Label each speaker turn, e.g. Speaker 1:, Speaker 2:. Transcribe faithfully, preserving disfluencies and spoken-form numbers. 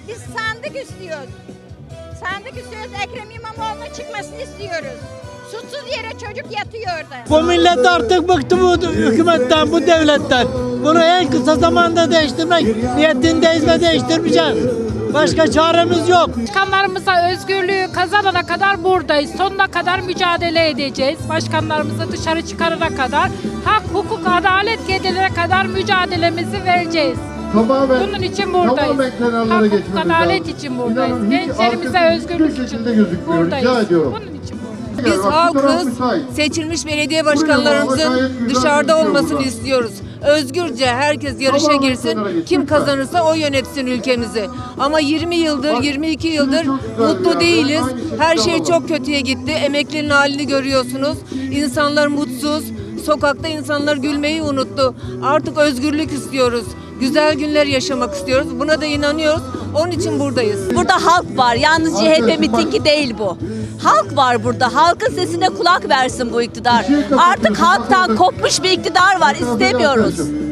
Speaker 1: Biz sandık istiyoruz. Sandık istiyoruz. Ekrem İmamoğlu'nun çıkmasını istiyoruz. Suçsuz yere çocuk yatıyor orada.
Speaker 2: Bu millet artık bıktı bu hükümetten, bu devletten. Bunu en kısa zamanda değiştirmek niyetindeyiz ve değiştirmeyeceğiz. Başka çaremiz yok.
Speaker 3: Başkanlarımıza özgürlüğü kazanana kadar buradayız. Sonuna kadar mücadele edeceğiz. Başkanlarımızı dışarı çıkarana kadar, hak, hukuk, adalet gelene kadar mücadelemizi vereceğiz.
Speaker 4: Tamamen,
Speaker 3: Bunun için buradayız. Hak, hukuk, adalet için buradayız. Gençlerimize özgürlük için buradayız. Bunun için buradayız.
Speaker 5: Biz halkız, seçilmiş belediye başkanlarımızın dışarıda olmasını istiyoruz. Özgürce herkes yarışa girsin, kim kazanırsa o yönetsin ülkemizi. Ama yirmi yıldır, yirmi iki yıldır mutlu değiliz. Her şey çok kötüye gitti. Emeklinin halini görüyorsunuz. İnsanlar mutsuz, sokakta insanlar gülmeyi unuttu. Artık özgürlük istiyoruz. Güzel günler yaşamak istiyoruz. Buna da inanıyoruz. Onun için buradayız.
Speaker 6: Burada halk var. Yalnız C H P mitingi değil bu. Halk var burada. Halkın sesine kulak versin bu iktidar. Artık halktan kopmuş bir iktidar var. İstemiyoruz.